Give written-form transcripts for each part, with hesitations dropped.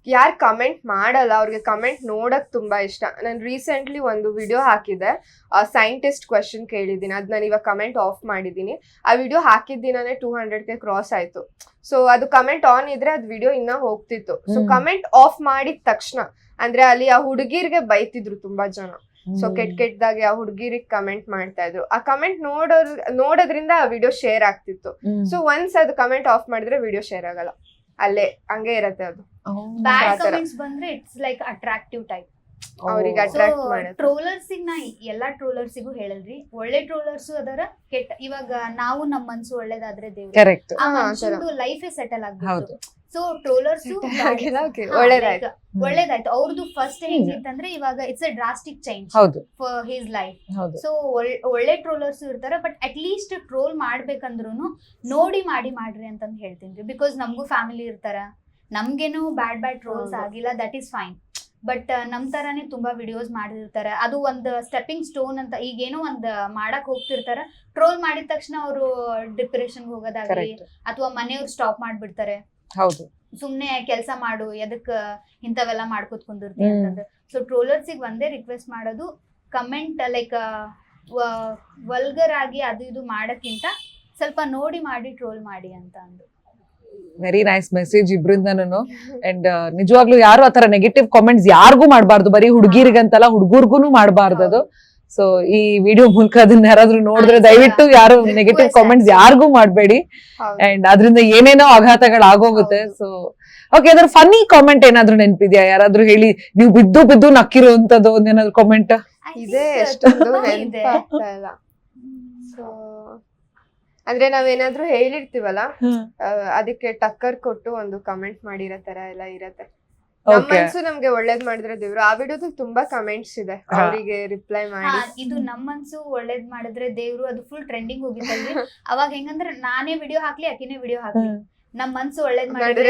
ಯಾರು ಕಮೆಂಟ್ ಮಾಡಲ್ಲ ಅವ್ರಿಗೆ ಕಮೆಂಟ್ ನೋಡಕ್ ತುಂಬಾ ಇಷ್ಟ. ನಾನು ರೀಸೆಂಟ್ಲಿ ಒಂದು ವಿಡಿಯೋ ಹಾಕಿದ್ದೆ, ಸೈಂಟಿಸ್ಟ್ ಕ್ವೆಶನ್ ಕೇಳಿದ್ದೀನಿ, ಅದ್ ನಾನು ಇವಾಗ ಕಮೆಂಟ್ ಆಫ್ ಮಾಡಿದ್ದೀನಿ. ಆ ವಿಡಿಯೋ ಹಾಕಿದ ದಿನಾನೇ 200K ಕ್ರಾಸ್ ಆಯ್ತು. ಸೊ ಅದು ಕಮೆಂಟ್ ಆನ್ ಇದ್ರೆ ಅದು ವಿಡಿಯೋ ಇನ್ನ ಹೋಗ್ತಿತ್ತು. ಸೊ ಕಮೆಂಟ್ ಆಫ್ ಮಾಡಿದ ತಕ್ಷಣ ಅಂದ್ರೆ ಅಲ್ಲಿ ಆ ಹುಡುಗಿರ್ಗೆ ಬೈತಿದ್ರು ತುಂಬಾ ಜನ. ಸೊ ಕೆಟ್ಟದಾಗಿ ಆ ಹುಡುಗಿರಿಗೆ ಕಮೆಂಟ್ ಮಾಡ್ತಾ ಇದ್ರು. ಆ ಕಮೆಂಟ್ ನೋಡೋದ್ರಿಂದ ಆ ವಿಡಿಯೋ ಶೇರ್ ಆಗ್ತಿತ್ತು. ಸೊ ಒನ್ಸ್ ಅದು ಕಮೆಂಟ್ ಆಫ್ ಮಾಡಿದ್ರೆ ವಿಡಿಯೋ ಶೇರ್ ಆಗಲ್ಲ, ಅಲ್ಲೇ ಹಂಗೆ ಇರತ್ತೆ ಅದು. ಬ್ಯಾಡ್ ಕಮೆಂಟ್ಸ್ ಬಂದ್ರೆ ಇಟ್ಸ್ ಲೈಕ್ ಅಟ್ರಾಕ್ಟಿವ್ ಟೈಪ್, ಅವ್ರಿಗೆ ಅಟ್ರಾಕ್ಟ್ ಮಾಡುತ್ತೆ. ಟ್ರೋಲರ್ಸಿಗ್ ನಾ ಎಲ್ಲಾ ಟ್ರೋಲರ್ಸಿಗೂ ಹೇಳಲ್ರಿ, ಒಳ್ಳೆ ಟ್ರೋಲರ್ಸ್ ಅದರ, ಕೆಟ್ಟ. ಇವಾಗ ನಾವು ನಮ್ಮ ಮನ್ಸು ಒಳ್ಳೇದಾದ್ರೆ ದೇವ್ರು, ಕರೆಕ್ಟ್, ಆ ಮನ್ಸಂದು ಲೈಫ್ ಸೆಟಲ್ ಆಗ್ಬೋದು. ಸೊ ಟ್ರೋಲರ್ಸ್ ಒಳ್ಳೇದಾಯ್ತು. ಅವ್ರದ್ದು ಫಸ್ಟ್ ಹೇಗಿತ್ತಂದ್ರೆ ಇವಾಗ it's a drastic change for his life. So ಒಳ್ಳೆ ಟ್ರೋಲರ್ಸ್ ಇರ್ತಾರ, ಬಟ್ ಅಟ್ ಲೀಸ್ಟ್ ಟ್ರೋಲ್ ಮಾಡ್ಬೇಕಂದ್ರು ನೋಡಿ ಮಾಡ್ರಿ ಅಂತಂದ್ ಹೇಳ್ತೀನಿ. ಬಿಕಾಸ್ ನಮಗೂ ಫ್ಯಾಮಿಲಿ ಇರ್ತಾರ, ನಮ್ಗೇನು ಬ್ಯಾಡ್ ಟ್ರೋಲ್ಸ್ ಆಗಿಲ್ಲ, ದಟ್ ಈಸ್ ಫೈನ್. ಬಟ್ ನಮ್ ತರಾನೇ ತುಂಬಾ ವಿಡಿಯೋಸ್ ಮಾಡಿರ್ತಾರ, ಅದು ಒಂದ್ ಸ್ಟೆಪ್ಪಿಂಗ್ ಸ್ಟೋನ್ ಅಂತ. ಈಗೇನೋ ಒಂದ್ ಮಾಡಕ್ ಹೋಗ್ತಿರ್ತಾರ, ಟ್ರೋಲ್ ಮಾಡಿದ ತಕ್ಷಣ ಅವರು ಡಿಪ್ರೆಷನ್ ಹೋಗೋದಾಗ್ಲಿ ಅಥವಾ ಮನೆಯವ್ರು ಸ್ಟಾಪ್ ಮಾಡ್ಬಿಡ್ತಾರೆ. ಹೌದು, ಸುಮ್ನೆ ಕೆಲಸ ಮಾಡು, ಎದಕ್ ಇಂಥವೆಲ್ಲ ಮಾಡ್ಕೊತ್ ಕುಂದಿರ್ತಿ ಅಂತಂದ್ರೆ. ಸೊ ಟ್ರೋಲರ್ಸಿಗೆ ಒಂದೇ ರಿಕ್ವೆಸ್ಟ್ ಮಾಡೋದು, ಕಮೆಂಟ್ ಲೈಕ್ ವಲ್ಗರ್ ಆಗಿ ಅದು ಇದು ಮಾಡಕ್ಕಿಂತ ಸ್ವಲ್ಪ ನೋಡಿ ಟ್ರೋಲ್ ಮಾಡಿ ಅಂತ ಅಂದು. ವೆರಿ ನೈಸ್ ಮೆಸೇಜ್ ಇಬ್ರಿಂದನೂ. ಅಂಡ್ ನಿಜವಾಗ್ಲೂ ಯಾರು ಆತರ ನೆಗೆಟಿವ್ ಕಾಮೆಂಟ್ಸ್ ಯಾರಿಗೂ ಮಾಡಬಾರ್ದು, ಬರೀ ಹುಡುಗಿರಿಗಂತಲ್ಲ ಹುಡುಗರ್ಗುನು ಮಾಡಬಾರ್ದು ಅದು. ಸೊ ಈ ವಿಡಿಯೋ ಮೂಲಕ ಅದನ್ನ ಯಾರಾದ್ರೂ ನೋಡಿದ್ರೆ ದಯವಿಟ್ಟು ಯಾರು ನೆಗೆಟಿವ್ ಕಾಮೆಂಟ್ಸ್ ಯಾರಿಗೂ ಮಾಡಬೇಡಿ. ಅಂಡ್ ಅದರಿಂದ ಏನೇನೋ ಆಘಾತಗಳು ಆಗೋಗುತ್ತೆ. ಸೊ ಓಕೆ, ಅದ್ರ ಫನ್ನಿ ಕಾಮೆಂಟ್ ಏನಾದ್ರು ನೆನಪಿದ್ಯಾ? ಯಾರಾದ್ರೂ ಹೇಳಿ, ನೀವು ಬಿದ್ದು ನಕ್ಕಿರುವಂತದ್ದು ಒಂದೇನಾದ್ರು ಕಾಮೆಂಟ್ ಇದೆ? ಎಷ್ಟೊಂದು ನೆನಪಾಗ್ತಾ ಇಲ್ಲ. ಸೊ ಅಂದ್ರೆ ನಾವೇನಾದ್ರೂ ಹೇಳಿರ್ತೀವಲ್ಲ, ಅದಕ್ಕೆ ಟಕ್ಕರ್ ಕೊಟ್ಟು ಒಂದು ಕಮೆಂಟ್ ಮಾಡಿರೋ ತರ ಎಲ್ಲ ಇರತ್ತೆ. ನಮ್ಮ ಮನ್ಸು ನಮ್ಗೆ ಒಳ್ಳೇದ್ ಮಾಡಿದ್ರೆ ದೇವ್ರು. ಆ ವಿಡಿಯೋದು ತುಂಬಾ ಕಮೆಂಟ್ಸ್ ಇದೆ, ಅವರಿಗೆ ರಿಪ್ಲೈ ಮಾಡಿ. ಇದು ನಮ್ಮ ಮನ್ಸು ಒಳ್ಳೇದ್ ಮಾಡಿದ್ರೆ ದೇವ್ರು, ಅದು ಫುಲ್ ಟ್ರೆಂಡಿಂಗ್ ಹೋಗಿತ್ತಲ್ರಿ. ಅವಾಗ ಹೆಂಗಂದ್ರೆ ನಾನೇ ವಿಡಿಯೋ ಹಾಕ್ಲಿ, ಆಕಿನೇ ವಿಡಿಯೋ ಹಾಕ್ಲಿ, ನಮ್ ಮನ್ಸು ಒಳ್ಳೇದ್ ಮಾಡಿದ್ರೆ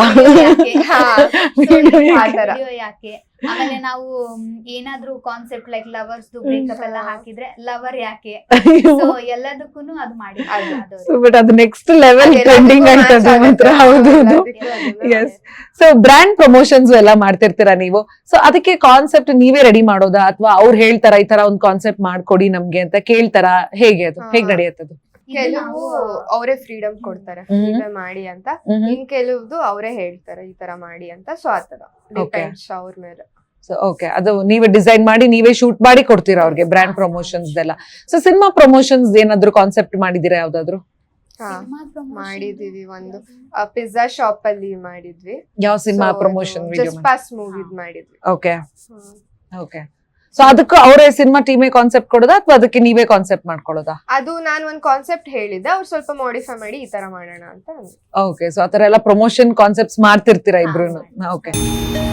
ವಿಡಿಯೋ ಯಾಕೆ. ಆಮೇಲೆ ನಾವು ಏನಾದ್ರೂ ಕಾನ್ಸೆಪ್ಟ್ ಲೈಕ್ ಲವರ್ಸ್ ಬ್ರೇಕಪ್ ಎಲ್ಲ ಹಾಕಿದ್ರೆ ಲವರ್ ಯಾಕೆ. ಸೊ ಎಲ್ಲದಕ್ಕೂನು ಅದು ಮಾಡಿ. ಬಟ್ ಅದು ನೆಕ್ಸ್ಟ್ ಲೆವೆಲ್ ಟ್ರೆಂಡಿಂಗ್ ಆಗ್ತದೆ ಮಾತ್ರ. ಹೌದು. ಎಸ್. ಸೊ ಬ್ರ್ಯಾಂಡ್ ಪ್ರಮೋಷನ್ಸ್ ಎಲ್ಲ ಮಾಡ್ತಿರ್ತೀರಾ ನೀವು. ಸೊ ಅದಕ್ಕೆ ಕಾನ್ಸೆಪ್ಟ್ ನೀವೇ ರೆಡಿ ಮಾಡೋದಾ, ಅಥವಾ ಅವ್ರು ಹೇಳ್ತಾರ ಈ ತರ ಒಂದ್ ಕಾನ್ಸೆಪ್ಟ್ ಮಾಡ್ಕೊಡಿ ನಮ್ಗೆ ಅಂತ ಕೇಳ್ತಾರ? ಹೇಗೆ ಅದು ಹೇಗ್ ನಡೆಯುತ್ತದು? ಕೆಲವು ಅವರೇ ಫ್ರೀಡಮ್ ಕೊಡ್ತಾರೆ, ಹೀಗೆ ಮಾಡಿ ಅಂತ. ಇನ್ ಕೆಲವ್ದು ಅವರೇ ಹೇಳ್ತಾರೆ ಈ ತರ ಮಾಡಿ ಅಂತ. ಸೊ ಆತರ ಡಿಪೆಂಡ್ಸ್ ಅವ್ರ ಮೇಲೆ. ಸೊ ಓಕೆ, ಅದು ನೀವೇ ಡಿಸೈನ್ ಮಾಡಿ ನೀವೇ ಶೂಟ್ ಮಾಡಿ ಕೊಡ್ತೀರಾ ಅವ್ರಿಗೆ ಬ್ರ್ಯಾಂಡ್ ಪ್ರಮೋಷನ್ಸ್ ಎಲ್ಲ. ಸೊ ಸಿನಿಮಾ ಪ್ರಮೋಷನ್ಸ್ ಏನಾದ್ರು ಕಾನ್ಸೆಪ್ಟ್ ಮಾಡಿದೀರಾ ಯಾವ್ದಾದ್ರು? ಮಾಡಿದೀವಿ, ಒಂದು ಪಿಜ್ಜಾ ಶಾಪ್ ಅಲ್ಲಿ ಮಾಡಿದ್ವಿ. ಯಾವ ಸಿನಿಮಾ ಪ್ರಮೋಷನ್? ಜಸ್ಟ್ ಪಾಸ್ ಮೂವಿದ್ ಮಾಡಿದ್ವಿ. Okay okay. ಸೊ ಅದಕ್ಕೂ ಅವರೇ ಸಿನಿಮಾ ಟೀಮೇ ಕಾನ್ಸೆಪ್ಟ್ ಕೊಡೋದಾ, ಅಥವಾ ಅದಕ್ಕೆ ನೀವೇ ಕಾನ್ಸೆಪ್ಟ್ ಮಾಡ್ಕೊಳ್ಳೋದಾ? ಅದು ನಾನು ಒಂದ್ ಕಾನ್ಸೆಪ್ಟ್ ಹೇಳಿದ್ದೆ, ಅವ್ರು ಸ್ವಲ್ಪ ಮಾಡಿಫೈ ಮಾಡಿ ಈ ತರ ಮಾಡೋಣ ಅಂತ. ಓಕೆ, ಸೊ ಆತರ ಎಲ್ಲ ಪ್ರಮೋಷನ್ ಕಾನ್ಸೆಪ್ಟ್ಸ್ ಮಾಡ್ತಿರ್ತೀರಾ ಇಬ್ರು? ಓಕೆ.